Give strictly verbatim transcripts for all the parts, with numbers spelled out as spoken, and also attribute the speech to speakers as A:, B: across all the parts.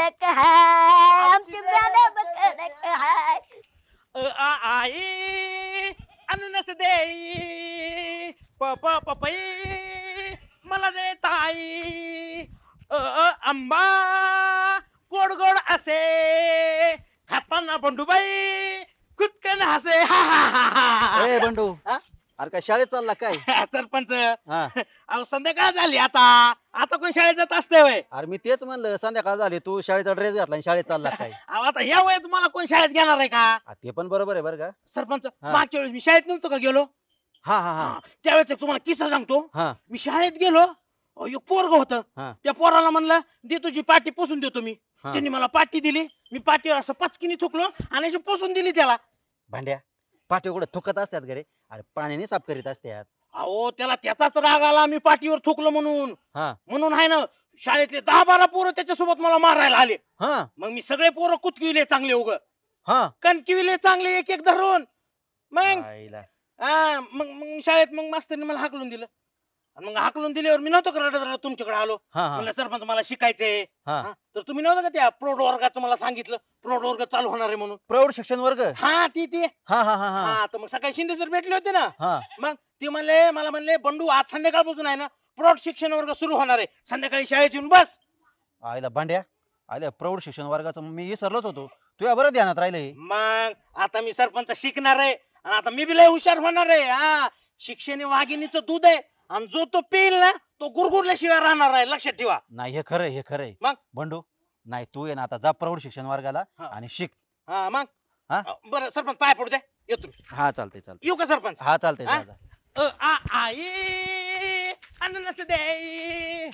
A: कडक हाय आमची मॅडम कडक हाय.
B: अ आ आई अननस देई प प पपई मला दे ताई अ अ आंबा गोड गोड असे खाताना बंडूबाई कुतकन हसे हा हा हा हा.
C: ए बंडू
B: हा?
C: अरे काय शाळेत चालला काय?
B: सरपंच
C: हा
B: अहो संध्याकाळ झाली आता आता कोण शाळेत जात असते वय
C: अरे मी तेच म्हणलं संध्याकाळ झाली तू शाळेचा ड्रेस घातला आणि शाळेत चालला काय?
B: अहो आता या वयात मला कोण शाळेत घेणार आहे का
C: आ, ते पण बरोबर आहे बरं का?
B: सरपंच
C: हा.
B: मागच्या वेळेस मी शाळेत नव्हतो का गेलो
C: हा हा हा
B: हा, त्यावेळेस एक तुम्हाला किस्सा सांगतो
C: हा
B: मी शाळेत गेलो अहो, एक पोरग होत
C: हा
B: त्या पोराला म्हणलं दे तुझी पाटी पुसून देतो मी
C: हा.
B: त्यांनी मला पाटी दिली मी पाटीवर असं पचकीने थुकलो आणि अशी पुसून दिली त्याला
C: भांड्या पाठी कुठे थुकत असतात घरे अरे पाण्याने साफ करीत असतात.
B: अहो त्याला त्याचाच राग आला मी पाटीवर थुकलो म्हणून
C: हा
B: म्हणून आहे ना शाळेतले दहा बारा पोरं त्याच्यासोबत मला मारायला आले
C: हा
B: मग मी सगळे पोरं कुतकिविले चांगले उग
C: हा
B: कणकिविले चांगले एक एक धरून मग
C: आईला.
B: हा मग मग शाळेत मग मास्तरने मला हाकलून दिलं आणि मग हाकलून दिल्यावर मी नव्हतं का रडत रडत तुमच्याकडे आलो
C: हा हा
B: म्हणलं सरपंच मला शिकायचंय
C: हा
B: हा, तर तुम्ही नव्हतं का त्या प्रौढ वर्गाचं मला सांगितलं प्रौढ वर्ग चालू होणार आहे म्हणून
C: प्रौढ शिक्षण वर्ग.
B: हा ती ती
C: हा हा हा हा
B: हा तर मग सकाळी शिंदे सर भेटले होते ना
C: हा
B: मग ते म्हणले मला म्हणले बंडू आज संध्याकाळपासून आहे ना प्रौढ शिक्षण वर्ग सुरू होणार आहे संध्याकाळी शाळेत येऊन बस
C: आईला भांड्या आईला प्रौढ शिक्षण वर्गाचं मी विसरलोच होतो तुझ्या बरं ध्यानात राहिले.
B: मग आता मी सरपंच शिकणार आहे आणि आता मी बी लय हुशार होणार आहे हा शिक्षण हे वाघिणीचं दूध आहे आणि जो तो पिईल ना तो गुरगुरल्याशिवाय राहणार आहे लक्षात ठेवा
C: नाही हे खरंय हे खरंय
B: मग?
C: बंडू नाही तू ये ना आता जा प्रौढ शिक्षण वर्गाला
B: हा.
C: आणि शिक.
B: हा मग
C: हा?
B: बरं सरपंच पाय पडू द्या येतो मी.
C: हा चालते चालते
B: येऊ का सरपंच
C: हा चालते
B: हा?
C: जा जा.
B: अ आ आई अननस देई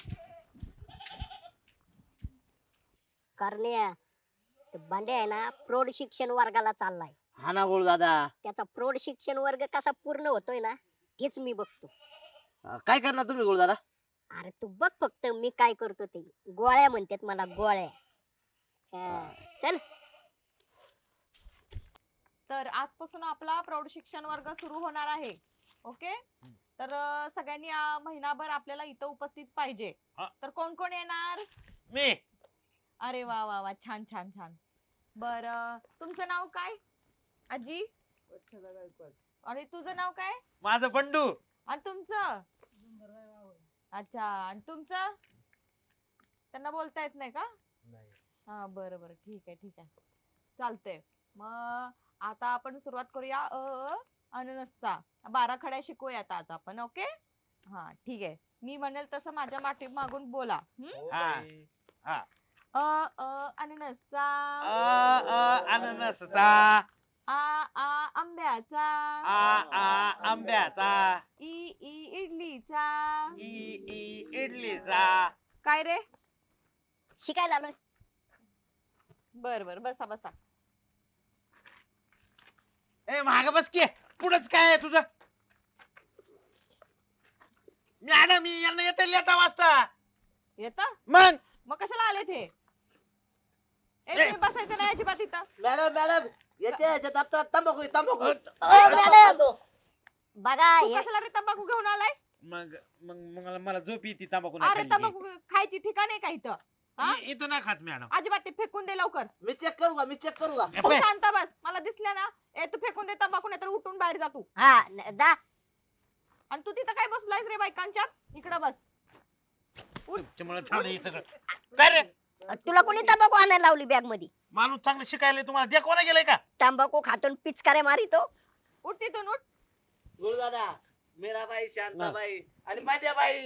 A: करण्या ते बंड्या आहे ना प्रौढ शिक्षण वर्गाला चाललाय.
B: हा ना बोल दादा
A: त्याचा प्रौढ शिक्षण वर्ग कसा पूर्ण होतोय ना हेच मी बघतो.
B: काय करणार तुम्ही गोळ दादा
A: अरे तू बघ फक्त मी काय करतो ते गोळ्या म्हणतात मला गोळ्या. हा, चल
D: तर आजपासून आपला प्रौढ शिक्षण वर्ग सुरू होणार आहे. ओके तर अं, सगळ्यांनी अं, महिनाभर आपल्याला इथं उपस्थित पाहिजे.
B: हा.
D: तर कोण कोण येणार?
B: मी
D: अरे वा वा वा छान छान छान. बर तुमचं नाव काय आजी? आणि तुझं नाव काय?
B: माझं बंडू
D: आणि तुमचं? अच्छा आणि तुमचं? त्यांना बोलता येत नाही का? हा बरं बरं ठीक आहे ठीक आहे चालतंय. मग आता आपण सुरुवात करूया अ अ, अननसचा बारा खड्या शिकूयात आज आपण. ओके हा ठीक आहे मी म्हणेल तसं माझ्या माठी मागून बोला. हम्म?
B: हा हा
D: अ अ अननसचा
B: अ अ अननसचा
D: आ आ आंब्याचा
B: आ आ आंब्याचा
D: इ ई इडलीचा
B: ई ई इडलीचा
D: काय रे?
A: शिकायला आलोय.
D: बर बर बसा बसा.
B: ए माग बस की पुढंच काय आहे तुझं मॅडम मी यांना येते लेता वाजता
D: येता
B: मग
D: मग कशाला आले ते? ए
B: ए.
D: तुम्ही बसायचं नाही अजिबात इथं.
E: मॅडम मॅडम याच्या याच्या दप्तरात तंबाखू आहे, तंबाखू
B: अ,
A: ओ, मॅडम बघा
D: तू
A: हे
D: कशाला रे तंबाखू घेऊन आलाय?
B: मग मग मग मला झोप येते तांबाखू
D: अरे
B: नाही
D: तंबाखू खायची ठिकाण आहे का इथं? हा?
B: खाल्ली की. इ- इथं नाही खात मॅडम
D: अजिबात ते फेकून दे लवकर.
E: मी चेक करू का मी चेक करू का
D: तू शांत बस मला दिसलं ना ए तू फेकून दे तंबाखू नाही तर उठून बाहेर जा तू.
A: हा न- दा
D: आणि तू तिथं काय बसलायस रे बायकांच्यात इकडं बस.
B: तुमच्यामुळे झालं हे सगळं काय रे
A: तुला कोणी तंबाखू आणायला लावली बॅग मध्ये?
B: माणूस चांगलं शिकायला तुम्हाला दे कोणा गेलाय का
A: तंबाखू खातून पिचकाऱ्या मारितो.
D: उठ तिथून उठ.
E: गुरुदादा मीराबाई शांताबाई आणि मांड्याबाई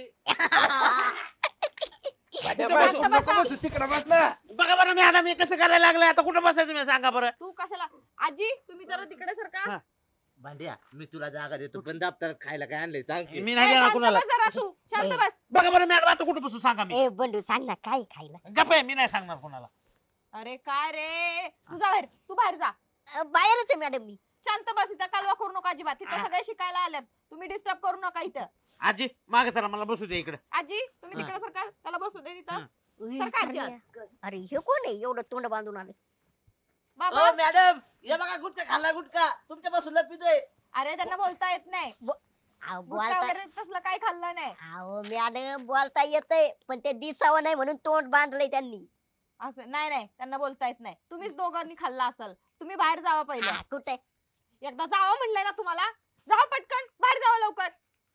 B: बघा बरं मॅडम हे कसं करायला लागलंय आता कुठं बसायचं मी सांगा बरं
D: तू कशाला आजी तुम्ही जरा तिकडे सरका.
B: हा.
E: भांड्या मी तुला जागा देतो पण दप्तरात खायला काय आणलंय सांग की.
B: मी
D: ए,
B: नाही देणार
D: शांत
B: कुणाला
D: बस जरा तू शांत बस.
B: बघा बरं मॅडम आता कुठं बसू सांगा मी
A: ए बंडू सांग ना काय खायला?
B: गप्प आहे मी नाही सांगणार कुणाला
D: अरे काय रे तू जा बाहेर तू बाहेर जा.
A: अ, बाहेरच आहे मॅडम मी.
D: शांत बस इथं कालवा करू नका अजिबात तिथं सगळे शिकायला आल्यात तुम्ही डिस्टर्ब करू नका इथं.
B: आजी मागे चला मला बसू दे इकडे
D: आजी तुम्ही तिकडे सरका त्याला बसू दे तिथं.
A: उई,
D: सरका
A: करण्या.
D: आजी.
A: अरे हे कोण आहे एवढं तोंड बांधून आले?
D: बाबा
E: ओ मॅडम हे बघा गुटखा खाल्ला गुटखा तुमच्या पासून लपितोय.
D: अरे त्यांना बोलता येत नाही.
A: अहो,
D: गुटखा
A: बोलता
D: वगैरे तसलं काही खाल्लं नाही.
A: अहो मॅडम बोलता येतंय पण ते दिसावं नाही म्हणून तोंड बांधलंय त्यांनी.
D: असं नाही नाही त्यांना बोलता येत नाही. तुम्हीच दोघांनी खाल्ला असेल. तुम्ही बाहेर जावा पहिलं.
A: हा, कुठे
D: एकदा जावा म्हणलंय ना तुम्हाला. जावा पटकन बाहेर जावा लवकर.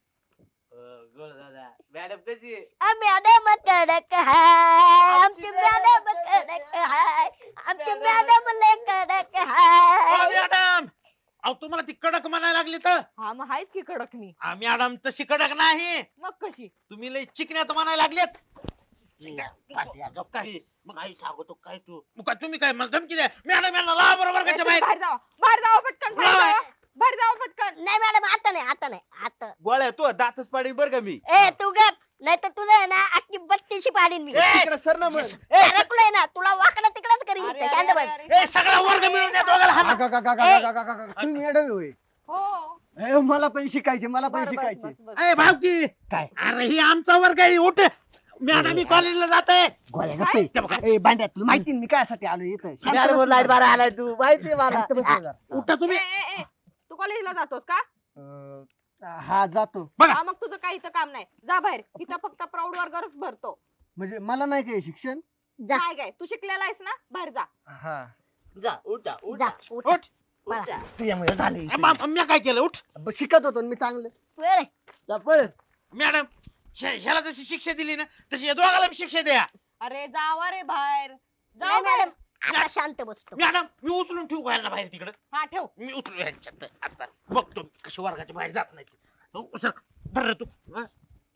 E: गोळ दादा मॅडम कशी आहे?
A: आ, मॅडम कडक हाय आमची मॅडम कडक हाय आमची मॅडम लय कडक हाय
B: मॅडम अहो तुम्हाला ती कडक म्हणायला लागली तर
D: हा मग आहेच की कडक मी.
B: आ, मॅडम तशी कडक नाही
D: मग कशी?
B: तुम्ही लय चिकण्यात म्हणायला लागलेत
E: पाट्या, गप काय मग आई सांगतो काय तू
B: मग काय तुम्ही काय मला धमकी द्या मॅडम यांना ला बरोबर
D: ए,
B: वर्गाच्या
D: तुम्ही
B: बाहेर
D: बाहेर जावा. बाहेर जावा पटकन. बाहेर
B: बाय.
D: जावा. बाहेर जावा पटकन.
A: नाही मॅडम आता नाही आता नाही आता
C: गोळ्या तू दातच पाडीन बर का मी
A: ए तू गप नाही तर तुझं आहे ना अख्खी बत्तीशी पाडीन मी
B: ए,
C: तिकडे सर ना मग
B: ए, स-
A: अडकलोय ना तुला वाकडं तिकडच करीन
D: अरे,
A: इथं,
D: अरे,
A: शांत
D: अरे,
A: बस
D: अरे,
B: ए सगळा वर्ग मिळून द्या दोघाला हाणा.
F: का- का- का- का-
A: ए.
F: का- का- का- का- तुम्ही मॅडम होय
D: हो.
F: ए, मला पण शिकायचे मला पण
D: बरं, बस,
F: शिकायचे
D: बस, बस.
B: ए भावकी
F: काय
B: अरे ही आमचा वर्ग आहे उठ मॅडम मी कॉलेजला जात आहे
F: गोळ्या
D: काय?
F: गप्पे. ए बांड्या तुला माहिती ना मी कायसाठी आलो इथं शांत
E: मॅडम
F: बस
E: लाईट
F: ना.
E: बारा आलाय तू माहिती मला
F: शांत बस ना जरा.
B: उठा
D: ए,
B: तुम्ही
D: ए, ए, तू कॉलेजला जातोस का?
F: अं, हा जातो
B: बघा.
D: हा मग तुझं काही इथं काम नाही. जा बाहेर. इथं फक्त प्रौढ वर्गच भरतो.
F: म्हणजे मला नाही काय शिक्षण
A: जा
D: काय काय तू शिकलेला आहेस ना? बाहेर जा.
F: हा
E: जा उठा
A: जा
E: उठा
A: उठ
B: उठ
E: उठा
F: तुझ्यामुळे झाले
B: म- मी काय केलं उठ
F: शिकत होतो ना मी चांगलं
A: वेळ
F: जा पळ.
B: मॅडम श- ह्याला जशी शिक्षा दिली ना तशी या दोघाला बी शिक्षा द्या
D: अरे जावा रे बाहेर. जा
A: नाही
D: बाहेर.
A: मॅडम आता शांत बसतो
B: मॅडम मी उचलून ठेवू का यांना बाहेर तिकडं
D: हा ठेव.
B: मी उचलू ह्यांच्यात आता बघतो कशी वर्गाच्या बाहेर जात नाही हो, सर धर रे तू हा.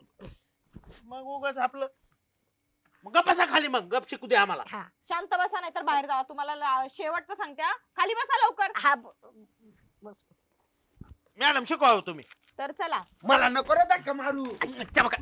B: मग उगाच आपलं मग गप बसा खाली मग गप शिकू दे आम्हाला
A: हा
D: शांत बसा नाही तर बाहेर जावा. तुम्हाला ला- शेवटचं सांगते हा. खाली बसा लवकर.
A: हा ब- बस.
B: मॅडम शिकवा हो तुम्ही
D: तर चला.
F: मला नको रे धक्का मारू
B: त्या बघा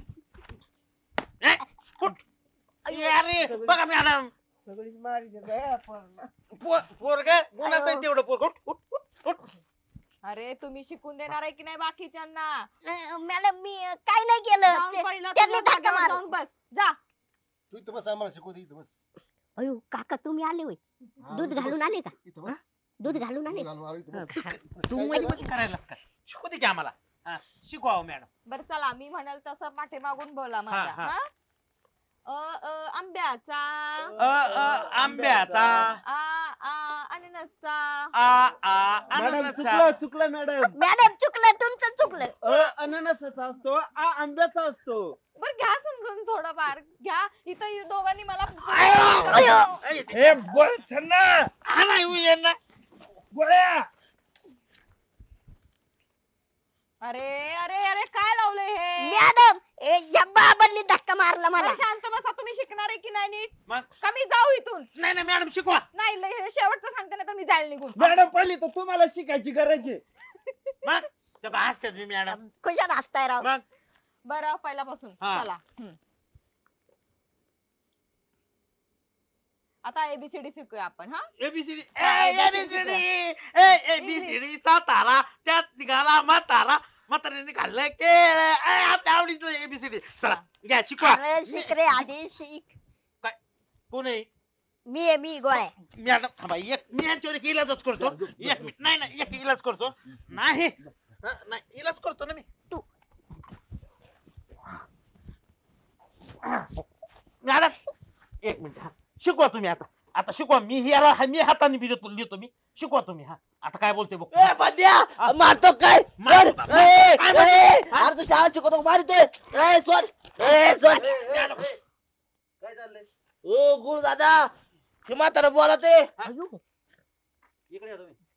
B: ए, उठ. ए, अरे बघा मॅडम
F: सगळीच मारी देत आहे आपण.
B: पोरग गुणाचं आहे तेवढं पोरग उठ उठ उठ उठ
D: अरे तुम्ही शिकून देणार आहे की नाही बाकीच्यांना?
A: अं, मॅडम मी अं, काय नाही केलं
D: जाऊन
A: ते-
D: पहिलं
A: त्यांनी
D: तुझ्या
A: धक्का
D: जागेवर
A: मारला.
D: जाऊन बस. जा.
F: तू इथं बस आम्हाला शिकवते इथं बस
A: अयो काका तुम्ही आले होय दूध घालून आले का
F: इथं बस
A: दूध घालून आले
F: घालून आलो इथं बस.
B: तू मध्ये मध्ये करायला का शिकू दे की आम्हाला हा, शिकवा हो मॅडम
D: बर चला मी म्हणाल तसं पाठी मागून बोला
B: हा,
D: माझ्या.
B: हा.
D: हा? अ अ आंब्याचा.
B: अ अ आंब्याचा
D: आ आ अननसचा.
B: आ आ
F: मॅडम
B: अननसचा.
F: चुकलं चुकलं मॅडम
A: मॅडम चुकलं तुमचं चुकलं
F: अ अननसाचा असतो आ आंब्याचा असतो
D: बर घ्या समजून थोडंफार घ्या. इथं इ- दोघांनी मला
B: आयो, आयो. ए,
F: हे बोल छन्ना
B: हा नाही हो, यांना.
F: गोळ्या
D: अरे अरे अरे काय लावलंय हे?
A: मॅडम ए, या बाबांनी धक्का मारला मला
D: बरं, शांत बसा. तुम्ही शिकणार आहे की नाही नीट?
B: मग
D: का मी जाऊ इथून?
B: नाही नाही मॅडम शिकवा
D: नाही लय- हे शेवटचं सांगते ना तर मी जाईल निघून.
F: मॅडम पहिली तर तुम्हाला शिकायची गरज आहे
B: मग ते का हसतात मी मॅडम
A: खुशाल हसताय राव
B: मग
D: बरं पहिल्यापासून
B: हा.
D: चला. हम्म. आता एबीसीडी शिकूया आपण. हा
B: एबीसीडी
D: हा,
B: एबीसीडी एबीसीडी सातारा त्यात निघाला म्हातारा म्हाताऱ्याने खाल्लं केळ ए, आपल्या आवडीचं एबीसीडी चला घ्या शिकवा
A: अरे शिक रे आधी शिक
B: कोण आहे
A: मी आहे मी गोळ्या
B: मॅडम थांबा एक मी यांच्यावर एक इलाजच करतो एक मिनिट नाही नाही एक इलाज करतो नाही हं, नाही इलाज करतो ना मी
A: तू.
B: मॅडम एक मिनिट हा शिकवा तुम्ही आता आता शिकवा मी हिरा मी हाताने बी देतो लिहितो मी शिकवा तुम्ही हा आता काय बोलतोय बघ
E: ए बंड्या मारतो काय
B: मारतो
E: सोड.
B: का?
E: ए,
B: काय
E: ए,
B: मारतो?
E: अरे तू शाळा शिकवतो का? मारतोय ए सोड ए सोड
B: मॅडम,
F: काय चाललंय
E: ओ गुरु दादा हे म्हातारा बोला ते
A: अयो
C: इकडे या तुम्ही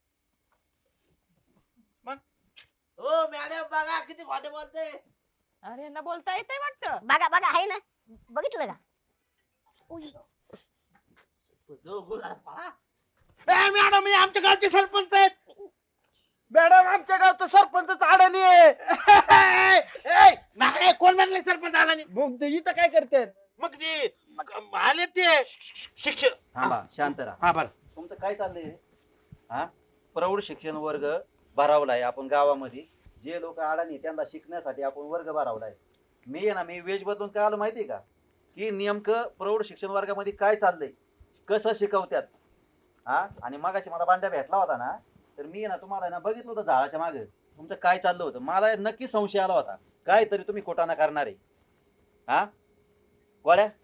E: ओ मॅडम बघा किती खोटे बोलते
D: अरे यांना बोलता येतंय वाटतं.
A: बघा बघा आहे ना बघितलं का उई.
E: जो गुरु दादा पळा.
B: ए, मॅडम हे आमच्या गावचे सरपंच आहेत
F: मॅडम आमच्या गावचं सरपंच अडाणी आहे
B: ए, नाही कोण म्हणले सरपंच आला नाही
F: मग ते इथं काय करतात
B: मग ते मग आले ते शिक्षक
C: थांबा शांत राहा
B: हा बरं
C: तुमचं काय चाललंय हा प्रौढ शिक्षण वर्ग भरावलाय आपण गावामध्ये जे लोक अडाणी आहेत, त्यांना शिकण्यासाठी आपण वर्ग भरावलाय मी आहे ना मी वेज बदलून काय आलो माहितीये का की नेमकं प्रौढ शिक्षण वर्गामध्ये काय चाललंय कसं शिकवत्यात हा आणि मगाशी मला बांड्या भेटला होता ना तर मी आहे ना तुम्हाला आहे ना बघितलं होतं झाडाच्या मागे तुमचं काय चाललं होतं मला नक्की संशय आला होता काय तरी तुम्ही खोटाना करणार आहे हा गोळ्या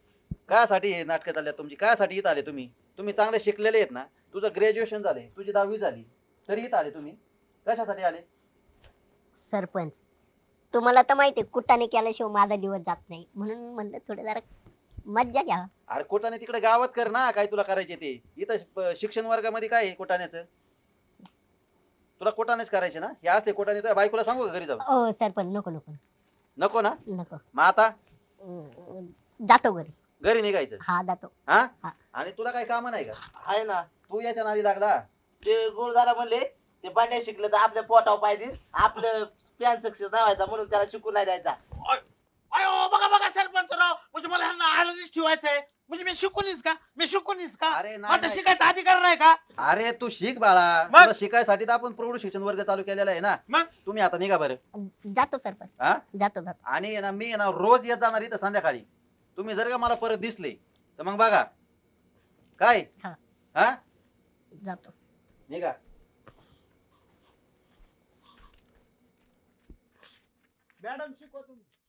C: कायसाठी हे नाटकं चालल्यात तुमची? कायसाठी इथं आले तुम्ही? तुम्ही चांगले शिकलेले आहेत ना, तुझं ग्रॅज्युएशन झाले, तुझी दहावी झाली, तरी इथं आले तुम्ही? कशासाठी आले?
A: सरपंच तुम्हाला तर माहिती कुटाने केल्याशिवाय माझा दिवस जात नाही, म्हणून म्हणलं थोडं जरा मज्जा घ्या.
C: अरे कोटाने तिकडे गावात कर ना, काय तुला करायचे ते. इथं प- शिक्षण वर्गामध्ये काय आहे कोटाण्याचं? तुला कोटानेच करायचे ना? हे असते कोटाने तुझ्या बायकोला सांगू का घरी जाऊन?
A: ओ सरपंच नको नको
C: नको ना?
A: नको.
C: मग आता
A: अं, जातो घरी.
C: घरी निघायचं
A: हा जातो.
C: हा?
A: हा.
C: आणि तुला काय काम नाही का?
E: आहे ना.
C: तू याच्या नादी लागला.
E: ते गुरुदारा म्हणले ते पांड्या शिकलं तर आपल्या पोटावर पाहिजे, आपलं प्लॅन सक्सेस व्हायचा म्हणून त्याला शिकू नाही द्यायचा.
B: अयो बघा बघा सरपंच राव, म्हणजे मला ह्यांना आळंदीच ठेवायचंय. म्हणजे मी शिकूनच का मी शिकूनच का
C: अरे नाही,
B: माझा
C: नाही.
B: शिकायचा अधिकार नाही का?
C: अरे तू शिक बाळा.
B: मग?
C: तुला शिकायसाठी तर आपण प्रौढ शिक्षण वर्ग चालू केलेला आहे ना.
B: मग?
C: तुम्ही आता निघा बरं.
A: जातो सरपंच.
C: हा?
A: जातो जातो.
C: आणि आहे ना मी आहे ना रोज येत जाणार इथं संध्याकाळी. तुम्ही जर का मला परत दिसले तर मग बघा काय.
A: हा.
C: हा
A: जातो.
C: निघा.
F: मॅडम शिकवा तुम्ही.